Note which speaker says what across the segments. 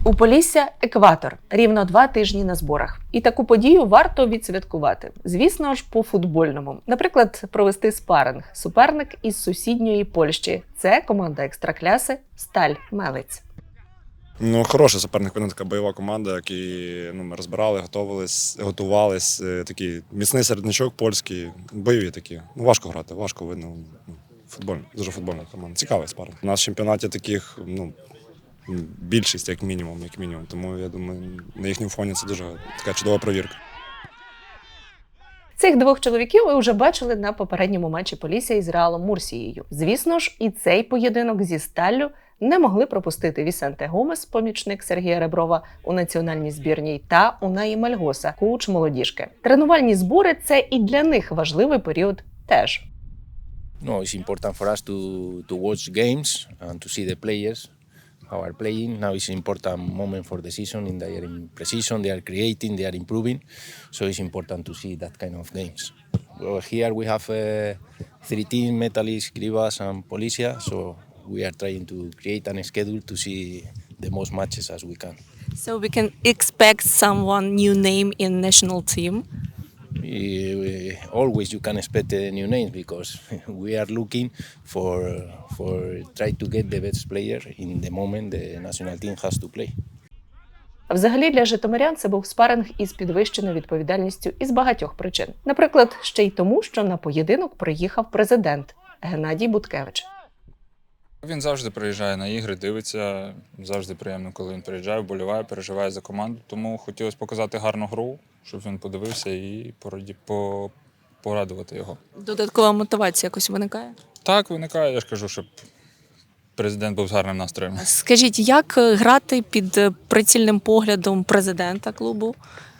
Speaker 1: У Полісся – екватор. Рівно 2 тижні на зборах. І таку подію варто відсвяткувати. Звісно ж, по-футбольному. Наприклад, провести спаринг. Суперник із сусідньої Польщі. Це команда екстракляси «Сталь Мелець».
Speaker 2: Ну, хороший суперник, вона така бойова команда, які ми розбирали, готувались. Такий міцний середнячок польський, бойові такі. Ну, важко грати, важко видно. Дуже футбольна команда. Цікавий спарринг. У нас в чемпіонаті таких, більшість, як мінімум. Тому, я думаю, на їхньому фоні це дуже така чудова провірка.
Speaker 1: Цих двох чоловіків ви вже бачили на попередньому матчі Полісся із Реалом Мурсією. Звісно ж, і цей поєдинок зі Сталлю не могли пропустити Вісенте Гомес, помічник Сергія Реброва у національній збірній, та Унаї Мальгоса, коуч молодіжки. Тренувальні збори – це і для них важливий період теж.
Speaker 3: No, it's important for us to watch games and to see the players how are playing. Now it's an important moment for the season. They are in precision, they are creating, they are improving. So it's important to see that kind of games. Well, here we have 3 teams, Metalist, Krivas and Polisia. So we are trying to create a schedule to see the most matches as we can.
Speaker 4: So we can expect someone new name in national team.
Speaker 3: Always you can expect a new name because we are looking for try to get the best player in the moment the national team has to play.
Speaker 1: Взагалі для житомирян це був спаринг із підвищеною відповідальністю із багатьох причин. Наприклад, ще й тому, що на поєдинок приїхав президент Геннадій Буткевич.
Speaker 5: Він завжди приїжджає на ігри, дивиться, завжди приємно, коли він приїжджає, вболіває, переживає за команду. Тому хотілося показати гарну гру, щоб він подивився і порадувати його.
Speaker 4: Додаткова мотивація якось виникає?
Speaker 5: Так, виникає, я ж кажу, щоб президент був з гарним настроєм.
Speaker 4: Скажіть, як грати під прицільним поглядом президента клубу?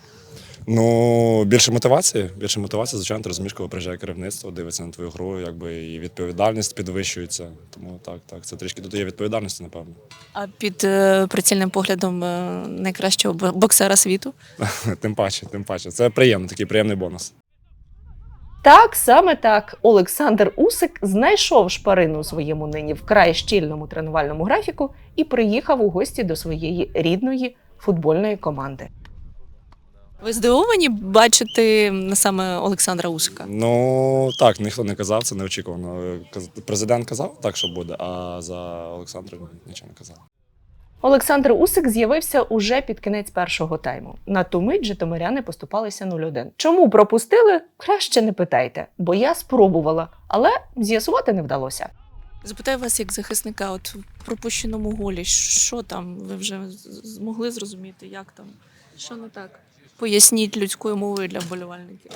Speaker 2: Ну, більше мотивації, звичайно, ти розумієш, коли приїжджає керівництво, дивиться на твою гру, і відповідальність підвищується. Тому так, це трішки додає відповідальності, напевно.
Speaker 4: А під прицільним поглядом найкращого боксера світу?
Speaker 2: Тим паче. Це приємно, такий приємний бонус.
Speaker 1: Так, саме так. Олександр Усик знайшов шпарину у своєму нині вкрай щільному тренувальному графіку і приїхав у гості до своєї рідної футбольної команди.
Speaker 4: Ви здивовані бачити саме Олександра Усика?
Speaker 2: Ну, так, ніхто не казав, це неочікувано. Президент казав так, що буде, а за Олександра нічого не казав.
Speaker 1: Олександр Усик з'явився уже під кінець першого тайму. На ту мить житомиряни поступалися 0-1. Чому пропустили? Краще не питайте, бо я спробувала, але з'ясувати не вдалося.
Speaker 4: Запитаю вас як захисника, от в пропущеному голі, що там? Ви вже змогли зрозуміти, як там? Що не так? Поясніть людською мовою для вболівальників.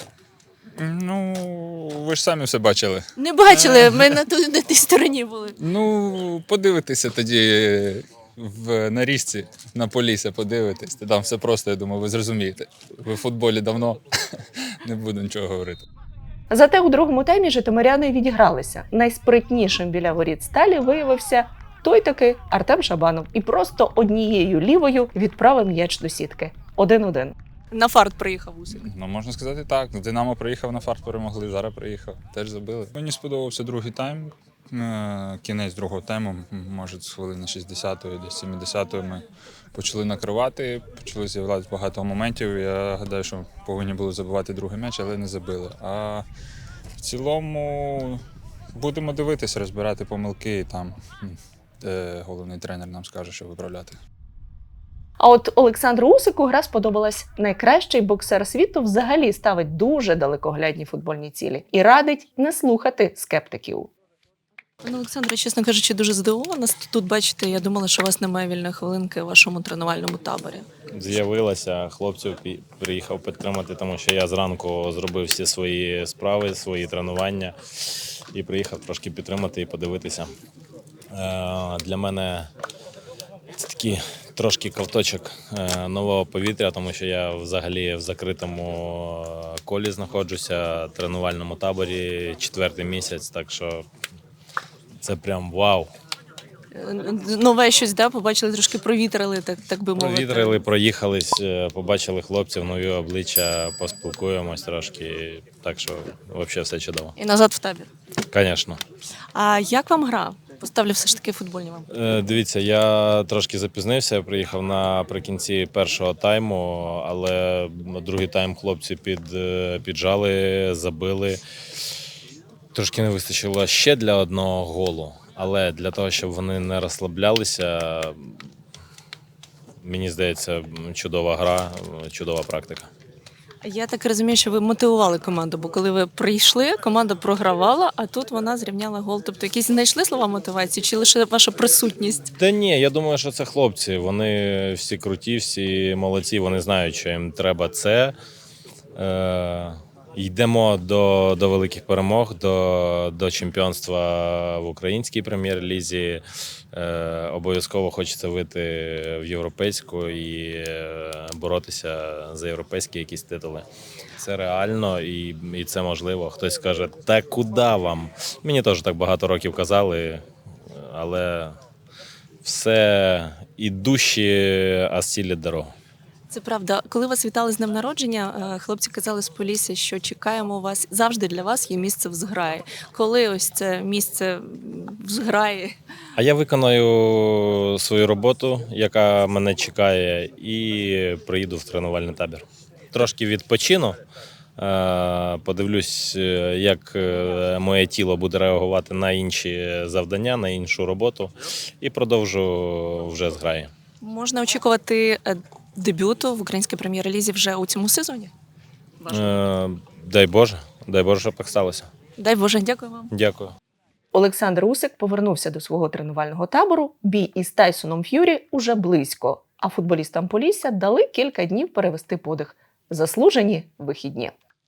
Speaker 5: Ну, ви ж самі все бачили.
Speaker 4: Не бачили, ми на тій стороні були.
Speaker 5: Ну, подивитися тоді в нарізці на Полісся, подивитись. Там все просто, я думаю, ви зрозумієте. Ви в футболі давно, не буду нічого говорити.
Speaker 1: Зате у другому таймі житомиряни відігралися. Найспритнішим біля воріт Сталі виявився той-таки Артем Шабанов. І просто однією лівою відправив м'яч до сітки. 1-1.
Speaker 4: На фарт приїхав Усик.
Speaker 5: Ну, можна сказати так. Динамо приїхав на фарт, перемогли, зараз приїхав, теж забили. Мені сподобався другий тайм. Кінець другого тайму, може, з хвилини 60-ї, десь 70-ї ми почали накривати, почали з'являтися багато моментів. Я гадаю, що повинні були забивати другий м'яч, але не забили. А в цілому будемо дивитися, розбирати помилки, і там головний тренер нам скаже, що виправляти.
Speaker 1: А от Олександру Усику гра сподобалась. Найкращий боксер світу взагалі ставить дуже далекоглядні футбольні цілі і радить не слухати скептиків.
Speaker 4: Пане Олександре, чесно кажучи, дуже здивована. Тут, бачите, я думала, що у вас немає вільної хвилинки у вашому тренувальному таборі.
Speaker 6: З'явилася, хлопців приїхав підтримати, тому що я зранку зробив всі свої справи, свої тренування і приїхав трошки підтримати і подивитися. Для мене це такий трошки ковточок нового повітря, тому що я взагалі в закритому колі знаходжуся, в тренувальному таборі 4-й місяць, так що це прям вау.
Speaker 4: Нове щось, да? Побачили, трошки провітрили, так би мовити.
Speaker 6: Провітрили, проїхались, побачили хлопців, нові обличчя, поспілкуємось трошки, так що взагалі все чудово.
Speaker 4: І назад в табір.
Speaker 6: Звісно.
Speaker 4: А як вам гра? Поставлю все ж таки футбольні вам.
Speaker 6: Дивіться, я трошки запізнився, я приїхав наприкінці першого тайму, але другий тайм хлопці піджали, забили. Трошки не вистачило ще для одного голу, але для того, щоб вони не розслаблялися, мені здається, чудова гра, чудова практика.
Speaker 4: Я так розумію, що ви мотивували команду, бо коли ви прийшли, команда програвала, а тут вона зрівняла гол. Тобто якісь знайшли слова мотивації чи лише ваша присутність?
Speaker 6: Та ні, я думаю, що це хлопці. Вони всі круті, всі молодці, вони знають, що їм треба це. Йдемо до великих перемог, до чемпіонства в українській прем'єр-лізі. Обов'язково хочеться вийти в європейську і боротися за європейські якісь титули. Це реально і це можливо. Хтось скаже, та куди вам? Мені теж так багато років казали, але все ідущі осілять дорогу.
Speaker 4: Це правда. Коли вас вітали з днем народження, хлопці казали з Полісся, що чекаємо вас. Завжди для вас є місце в зграї. Коли ось це місце в зграї?
Speaker 6: А я виконаю свою роботу, яка мене чекає, і приїду в тренувальний табір. Трошки відпочину, подивлюсь, як моє тіло буде реагувати на інші завдання, на іншу роботу, і продовжу вже зграї.
Speaker 4: Можна очікувати дебюту в українській прем'єр-лізі вже у цьому сезоні?
Speaker 6: Дай Боже, щоб так сталося.
Speaker 4: Дай Боже, дякую вам.
Speaker 6: Дякую.
Speaker 1: Олександр Усик повернувся до свого тренувального табору. Бій із Тайсоном Ф'юрі уже близько, а футболістам Полісся дали кілька днів перевести подих. Заслужені вихідні.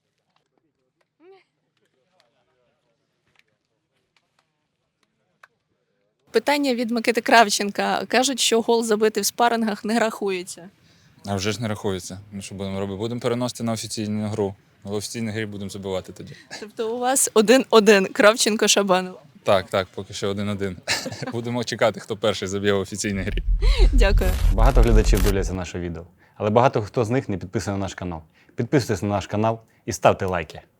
Speaker 4: Питання від Микити Кравченка. Кажуть, що гол забитий в спарингах не рахується.
Speaker 5: А вже ж не рахується. Ну що будемо робити? Будемо переносити на офіційну гру. В офіційній грі будемо забивати тоді.
Speaker 4: Тобто у вас 1-1 Кравченко-Шабанов.
Speaker 5: Так, поки що 1-1. Будемо чекати, хто перший заб'є в офіційній грі.
Speaker 4: Дякую.
Speaker 7: Багато глядачів дивляться наше відео, але багато хто з них не підписаний на наш канал. Підписуйтесь на наш канал і ставте лайки.